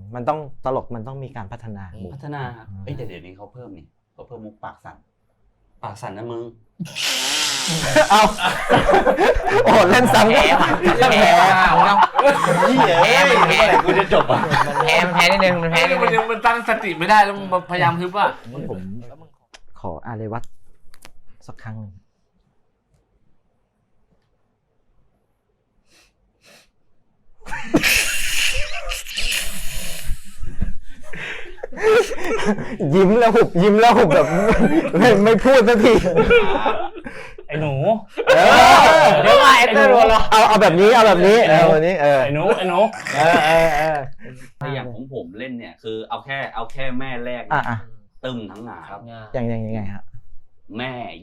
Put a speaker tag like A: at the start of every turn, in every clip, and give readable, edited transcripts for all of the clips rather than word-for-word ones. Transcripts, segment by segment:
A: มันต้องตลกมันต้องมีการพัฒนา
B: พัฒนาครับเดี๋ยวนี้เขาเพิ่มนี่เขาเพิ่มมุกปากสั่นนะมึง
A: เอาโอ้เล่นซ้ำแพ้
B: กูจะจบอ่ะ
C: มันแพ้นิดนึงมันแพ้นิดนึง
D: มันตั้งสติไม่ได้แล้วมันพยายามฮึบอ่ะ
A: ผมขออาเรวัตสักครั้งหนึ่งยิ้มแล้วหุบแบบไม่พูดสักที
E: ไอ้หนู
C: เดี๋ยวมาเอฟเตอร์โรล
A: เอาแบบนี้แบบนี้
E: ไอ้หนู
B: แต่อย่างของผมเล่นเนี่ยคือเอาแค่แม่แรกตึมทั้งงานครับ
A: ยังไงฮะ
B: แม่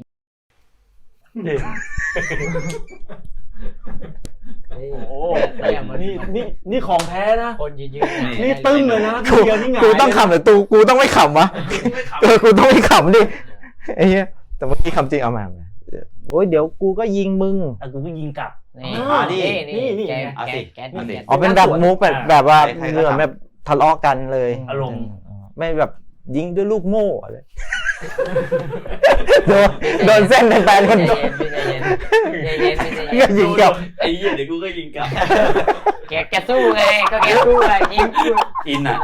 E: โอ้นี่ของแท้นะ
C: คนยืน
E: นี่ตึ้งเลยนะ
A: กูต้องขำหรือกูต้องไม่ขำวะกูต้องไม่ขำดิไอ้เหี้ยแต่เมื่อกี้คำจริงเอามาโอ้ยเดี๋ยวกูก็ยิงมึง
E: กูก็ยิงกลับ
C: นี่แก
A: อ๋อเป็นแบบมุกแบบว่าเหมือนแบบทะเลาะกันเลย
E: อารมณ์
A: ไม่แบบยิงด้วยลูกโม่อะไรโดนเส้นแฟนคนโดนก็ยิงกลับ
B: ไอ้เหี้ยเดี๋ยวกูก็ยิงกลับ
C: แกสู้ไงก็แกสู้ไงยิง
B: อินอ่ะ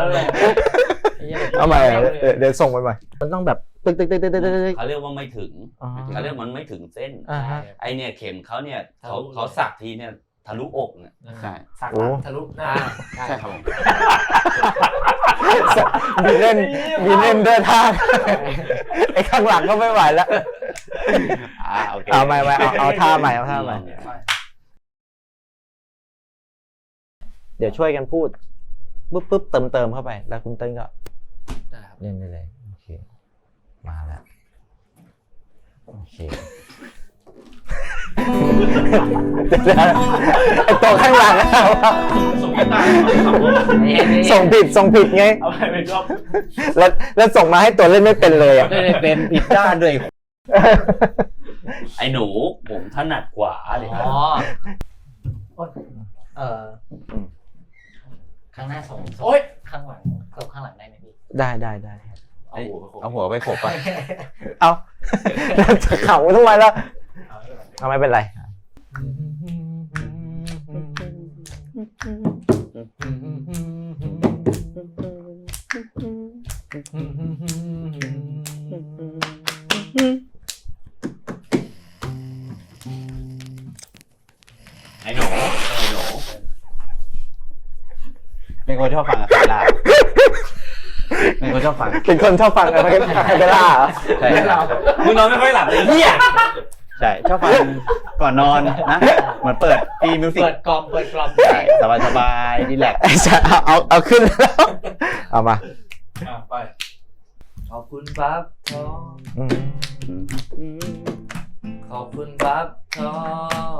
A: เอาใหม่เดี๋ยวส่งไปใหม่มันต้องแบบตึ๊ก
B: เขาเรียกว่าไม่ถึงเขาเรียกมันไม่ถึงเส้นไอเนี่ยเข็มเขาเนี่ยเขาสักทีเนี่ยทะลุอกเนี่ยใช่
D: สักทะลุหน้า
B: ใช่ครับ
A: มีเล่นด้วยท่าไอ้ข้างหลังก็ไม่ไหวแล้ว
B: โอเค
A: เอาใหม่เอาท่าใหม่เดี๋ยวช่วยกันพูดปุ๊บเติมเข้าไปแล้วคุณเติ้ลก็เล่นได้เลยโอเคมาแล้วโอเคไอ้ตัวข้างหลังส่งผิดไง
E: เอาไปเป็นรอบ
A: แล้วส่งมาให้ตัวเล่นไม่เป็นเลยอ่ะ
B: ไม่ได้เป็นผิดด้านด้วยไอ้หนูผมถนัดกว่าเลย
C: ข้างหน้าส่งข้างหลังได้ไหมพี่
A: ได้
B: เอาหัวไปโขกไป
A: เอาจะเข่าทำไมล่ะเอาไม่เป็นไร
B: ไอ้หนู
E: เป็นคนชอบฟังอะคาราเป็นคนชอบฟัง
A: อะไรคาเบล่า
E: ใช่มึงนอนไม่ค่อยหลับเลยเหี้ยใช่ชอบฟังก่อนนอนนะเหมือนเปิดฟีมิวสิก
C: เปิดกล่อม
E: ใช่สบายดีแลกซ์
A: เอาขึ้นแล้วเอามา
D: ไปขอบคุณบัฟทองขอบคุณบัฟทอง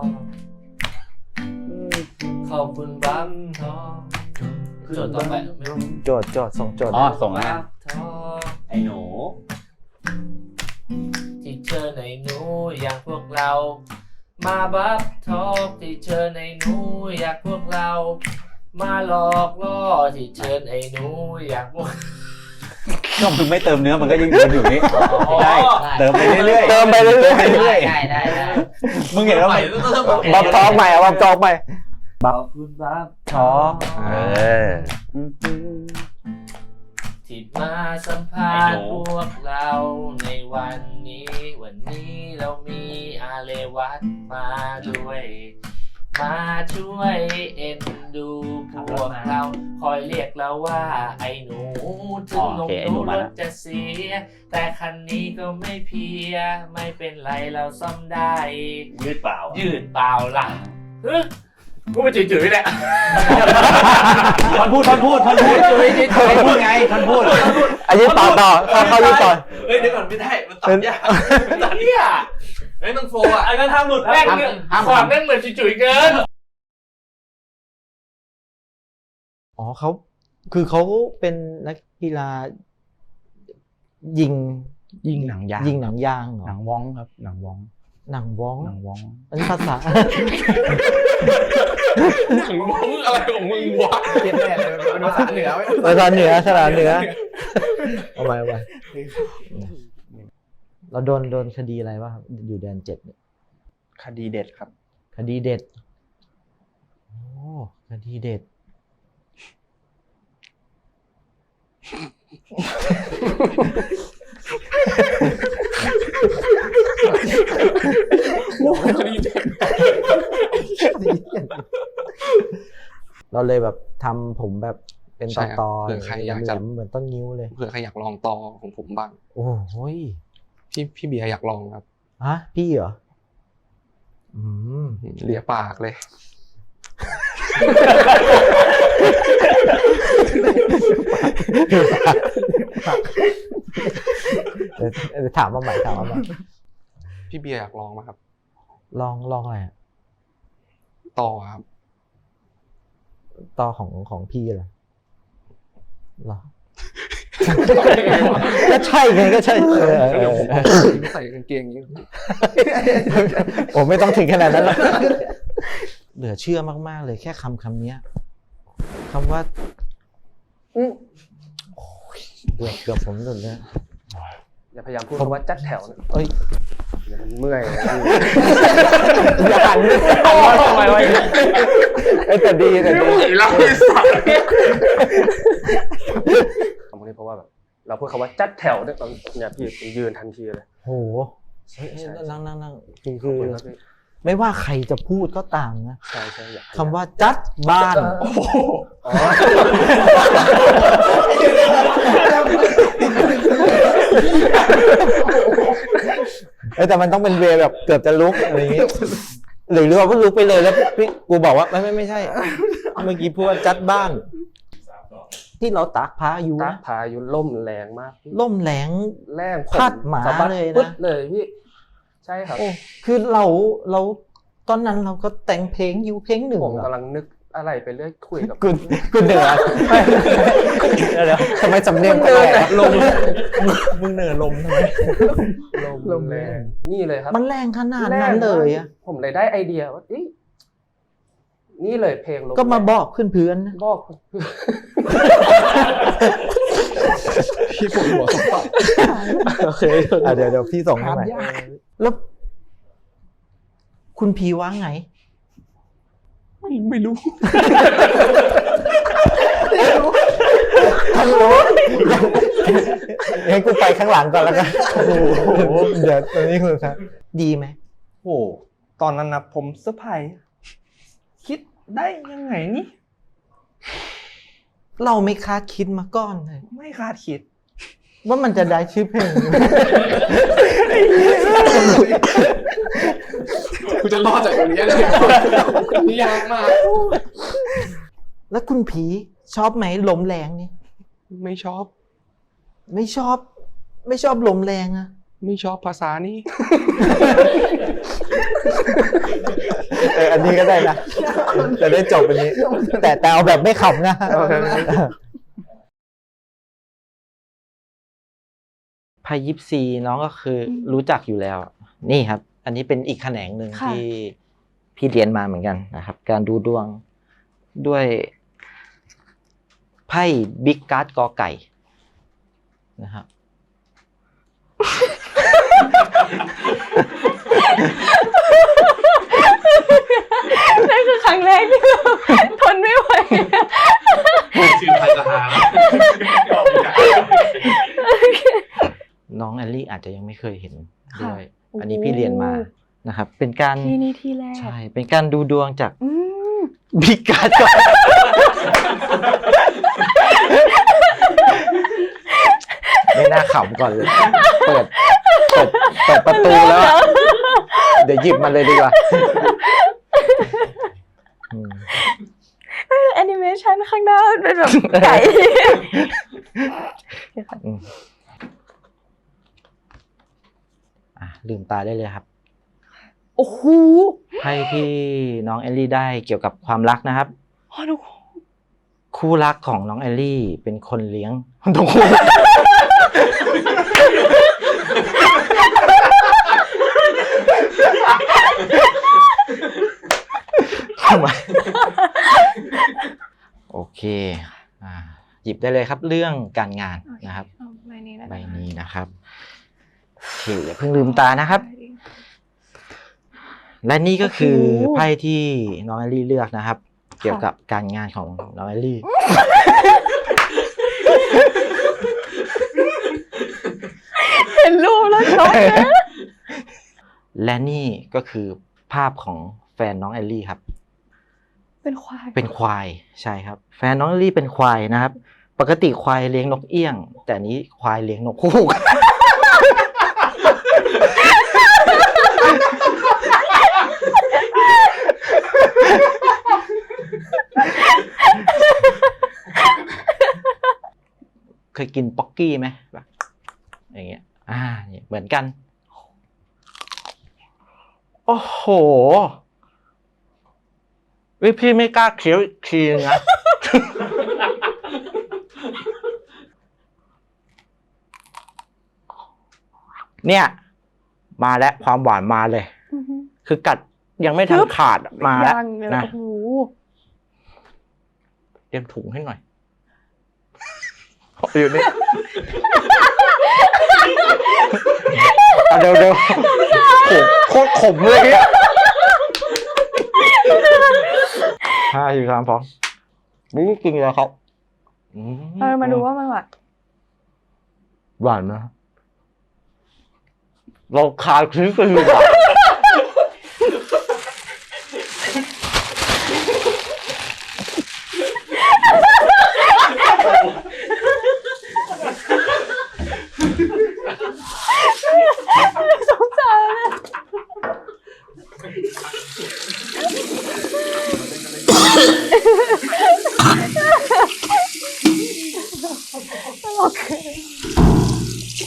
D: ขอบคุณบัฟทองโจทย์ต่อไป
A: โจทย์ส่งโจทย์
E: ส่งแล้ว
B: ไอ้หนู
D: ที่เจอในหนูอยากพวกเรามาบัฟทอกที่เจอในหนูอยากพวกเรามาหลอกล่อที่เจอในหนูอยากพวก
E: ก็มึงไม่เติมเนื้อมันก็ยิ่งเดินอยู่นี่ได้เติมไปเรื่อย
C: ได้
E: มึงเห็นแล้วไหม
A: บัฟทอกใหม่บัฟทอกใหม่
D: ขอบคุณบัฟทอกที่มาสัมภาษณ์พวกเราในวันนี้เรามีอาเลวัตมาด้วยมาช่วยเอ็นดูพวกเราคอยเรียกเราว่าไอ้หนูถึงลงดูรถจะเสียแต่คันนี้ก็ไม่เพียไม่เป็นไรเราซ่อมได้
E: ยืดเปล่า
D: ล่ะกูมาจืดๆแหละ
E: ท่านพูดไงท่านพูด
A: อันนี้ต่อเขายืดต่อ
D: เฮ้ยเดี๋ยวก่อนไม่ได้มันตัดยากตัดเนี่ยเฮ้ยต้องโฟอ่ะไอ้กันทำหลุดแม่งขวดแม่งเหมือนจุ๋ยเกิน
A: อ๋อเขาเป็นนักกีฬายิงหนังยาง
E: หนังว้องครับหนังว้อง
A: หนังว้อง
E: หนังว้อง
A: อันนี้ภาษา
F: หนังม้องอะไรของมึงวะ
D: เปลี่ยนแน่เลยเป็นภาษาเหนือไว้
A: ภาษาเหนือฉลาดเหนือเอาไปเราโดนคดีอะไรวะครับอยู่แดน7เนี่ย
E: คดีเด็ดครับ
A: คดีเด็ดโอ้คดีเด็ด
F: คดีเด็ด
A: เราเลยแบบทำผมแบบเป็นตอ
F: เผื่อใครอยากจะ
A: เหมือนต้นงิ้วเลย
F: เผื่อใครอยากลองต่อของผมบ้าง
A: โอ้โหย
F: พี่เบียร์อยากลองครับ
A: ฮะพี่เหรออืม
F: เลียปากเลย
A: เดี๋ยวถามมาใหม่
F: พี่เบียร์อยากลองไหมครับ
A: ลองอะไรอะ
F: ต่อครับ
A: ต่อของพี่เหรอก็ใช่ไงก็ใช่
F: ใส่กางเกงอย่างนี้
A: โอ้ไม่ต้องถึงขนาดนั้นหรอกเหลือเชื่อมากๆเลยแค่คำนี้คำว่าโอ้ยเกือบผมหลุดเลย
D: อย่าพยายามพูดคำว่าจัดแถวนะ
A: เอ้ย
D: เดี๋ยวมันเมื่อย
A: อย่าหันทำไมวะแต่ดี
F: เราไม่สั่ง
D: คำนี้เพราะว่าแบบเราพูดคำว่าจัดแถวเนี่ยตอนเนี่ยพี่ยืนทันทีเลย
A: โหนั่งคือ
D: ขอบคุณครับพี่
A: ไม่ว่าใครจะพูดก็ตามนะ
D: ใช่อยาก
A: คำว่าจัดบ้านแต่มันต้องเป็นเวย์แบบเกือบจะลุกอะไรอย่างงี้หรือว่าลุกไปเลยแล้วพี่กูบอกว่าไม่ใช่เมื่อกี้พูดว่าจัดบ้าน ที่เราตากพาอยู่
D: ตา
A: นะ
D: พายุล่มแรงมากพี่
A: ล่มแหลง
D: แรง
A: พัดหมา
D: สะบัด
A: เลยนะ
D: ปึ๊ดเลยพี่ใช่ครับ
A: โอ้คือเราตอนนั้นเราก็แต่งเพลงอยู่เพลงหนึ่ง
D: ผมกำลังนึกอะไรไปเรื่อยคุยกับ
A: คุณเหนือเดี๋ยวทำไมสำเนียงแปลกลมมึงเหนือลมทำไม
D: ลมแรงนี่เลยครับ
A: มันแรงขนาดนั้นเลยอะ
D: ผมเลยได้ไอเดียว่านี่เลยเพลงลม
A: ก็มาบอกเพื่อนๆนะ
D: บอก
F: พี่ปวดหัวสมบัติ
D: โอเค
A: เดี๋ยวพี่ส่งให้ใหม่แล้วคุณพีว่าไง
F: ไม่รู้
A: ฮัลโหลงั้นกูไปข้างหลังก่อนแล้วกันเดี๋ยวตอนนี้คุณครับดีไหม
E: โอ้ตอนนั้นนะผมเซอร์ไพรส์คิดได้ยังไงนี่
A: เราไม่คาดคิดมาก่อนเลย
E: ไม่คาดคิด
A: ว่ามันจะได้ชื่อเพลง
F: กูจะรอดจากตรงนี้เลยนี่ยากมาก
A: แล้วคุณผีชอบไหมลมแรงนี่
F: ไม่ชอบ
A: ไม่ชอบลมแรงอะ
F: ไม่ชอบภาษานี้
A: อันนี้ก็ได้นะจะได้จบอันนี้ แต่เอาแบบไม่ขำนะไพ่ยิปซีน้องก็คือรู้จักอยู่แล้ว นี่ครับ อันนี้เป็นอีกแขนงหนึ่งที่พี่เรียนมาเหมือนกันนะครับ การดูดวงด้วยไพ่บิ๊กการ์ดกอไก่นะครับ
G: นั่นคือครั้งแรกที่เราทนไม่ไหว
F: ชื่อไทยจะหา
A: น้องแอลลี่อาจจะยังไม่เคยเห็นด้วย อันนี้พี่เรียนมานะครับ เป็นการ
G: ที่นี่ที่แรก
A: ใช่เป็นการดูดวงจาก
G: อืม
A: บิ๊กการ์ดไม่น่าขำก่อนเลย เปิดประตูแล้วอะเดี๋ยวหยิบมันเลยดีกว่า
G: แอนิเมชันข้างหน้าเป็นแบบไก่
A: ลืมตาได้เลยครับ
G: โอ้โห
A: ไพ่ที่น้องแอลลี่ได้เกี่ยวกับความรักนะครับ
G: อ๋อทุกคน
A: คู่รักของน้องแอลลี่เป็นคนเลี้ยงทุกคน
G: เ
A: ทำไมโอเคหยิบได้เลยครับเรื่องการงานนะครับ
G: เอาใบนี้แล้ว
A: ใบนี้นะครับโอเคอย่าเพิ่งลืมตานะครับ และนี่ก็คือไพ่ที่น้องแอลลี่เลือกนะครับ เกี่ยวกับการงานของน้องแอลลี่
G: เห็นรูปแล้วช็อกนะ
A: และนี่ก็คือภาพของแฟนน้องแอลลี่ครับ
G: เป็นควาย
A: เป็นควายใช่ครับ แฟนน้องแอลลี่เป็นควายนะครับ ปกติควายเลี้ยงนกเอี้ยง แต่อันนี้ควายเลี้ยงนกฮูก เคยกินป๊อกกี้ไหมแบบอย่างเงี้ยนี่เหมือนกัน โอ้โหพี่ไม่กล้าเคี้ยวอีกทีนึงนะ เนี่ย มาแล้วความหวานมาเลย
G: อือฮึ
A: คือกัดยังไม่ทันขาดมาแล้ว
G: ยังเลย
A: นะ
G: โอ้โห
A: เตรียมถุงให้หน่อย อยู่นี่ เดี๋ยวโคตรขมเลยเนี่ย5 4 3 2นี่กินแล้วครับ
G: มาดูว่ามันหวาน
A: หวานนะเราคาคลิปกันอยู่อ่ะ
G: สงสารนะตลก